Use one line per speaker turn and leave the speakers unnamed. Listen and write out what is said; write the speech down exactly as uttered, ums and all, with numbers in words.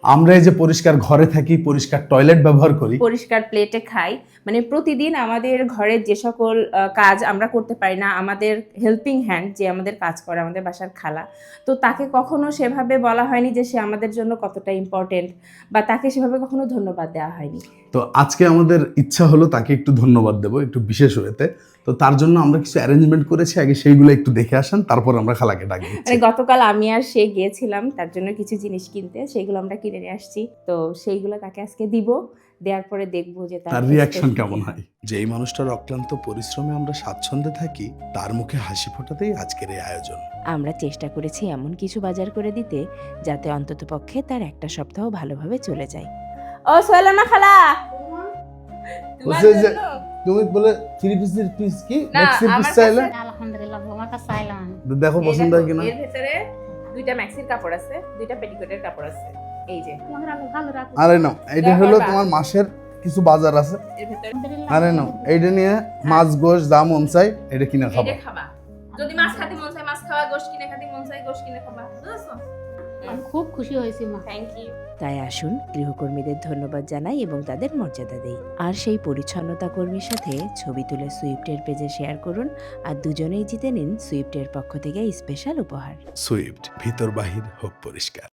আমরা এই যে পরিষ্কার ঘরে থাকি, পরিষ্কার টয়লেট ব্যবহার করি,
পরিষ্কার প্লেটে খাই, মানে প্রতিদিন আমাদের ঘরের যে সকল আহ, কাজ আমরা করতে পারি না, আমাদের হেল্পিং হ্যান্ড যে আমাদের কাজ করে, আমাদের বাসার খালা, তো তাকে কখনো সেভাবে বলা হয়নি যে সে আমাদের জন্য কতটা ইম্পর্টেন্ট, বা তাকে সেভাবে কখনো ধন্যবাদ দেওয়া হয়নি।
তো আজকে আমাদের ইচ্ছা হলো তাকে একটু ধন্যবাদ দেবো একটু বিশেষ হয়েতে। তো তার জন্য আমরা কিছু অ্যারেঞ্জমেন্ট করেছি, আগে সেইগুলো একটু দেখে আসেন, তারপর আমরা খালাকে ডাকি।
মানে গতকাল আমি আর সে গিয়েছিলাম তার জন্য কিছু জিনিস কিনতে, সেইগুলো আমরা কিনে নিয়ে আসছি, তো সেইগুলো তাকে আজকে দিব, দেওয়ার পরে দেখবো যে
তার রিয়াকশন কেমন হয়। যে এই মানুষটার অক্লান্ত পরিশ্রমে আমরা স্বাচ্ছন্দ্যে থাকি, তার মুখে হাসি ফোটাতেই আজকের এই আয়োজন।
আমরা চেষ্টা করেছি এমন কিছু বাজার করে দিতে যাতে অন্ততপক্ষে তার একটা সপ্তাহ ভালোভাবে চলে যায়। ও সোহেলানা খালা, তোমার
বলছে যে,
জন্য?
তুমি বলে থ্রি পিসের পিস কি
না,
ম্যাক্সি পিস
আমার
চাইলে,
কাছে-
আলহামদুলিল্লাহ তোমার কাছে আইলাম।
দেখো
এই
পছন্দ
দেখো,
হয় কিনা।
এর ভেতরে দুইটা ম্যাক্সির কাপড় আছে, দুইটা পেটিকোটের কাপড় আছে, এই যে
তোমার আলো ভালো রাখো।
আরে নাও, এইটা
দেখো
হলো
বা।
তোমার মাসের কিছু বাজার আছে।
এর ভেতরে
আলহামদুলিল্লাহ।
আরে নাও, এইটা নিয়ে মাছ গোশ যা মন চাই এটা কিনে খাবো।
এটা খাবা, যদি মাছ খেতে মন চায় মাছ খাওয়া, গোশ কিনে খেতে মন চায় গোশ কিনে খাবা, বুঝছো?
আমি খুব খুশি হয়েছি মা।
Thank you.
তাই আসুন গৃহকর্মীদের ধন্যবাদ জানাই এবং তাদের মর্যাদা দেই। আর সেই পরিচ্ছন্নতা কর্মীর সাথে ছবি তুলে সুইফটের পেজে শেয়ার করুন, আর দুজনেই জিতে নিন সুইফটের পক্ষ থেকে স্পেশাল উপহার।
সুইফট, ভিতর বাহির হোক পরিষ্কার।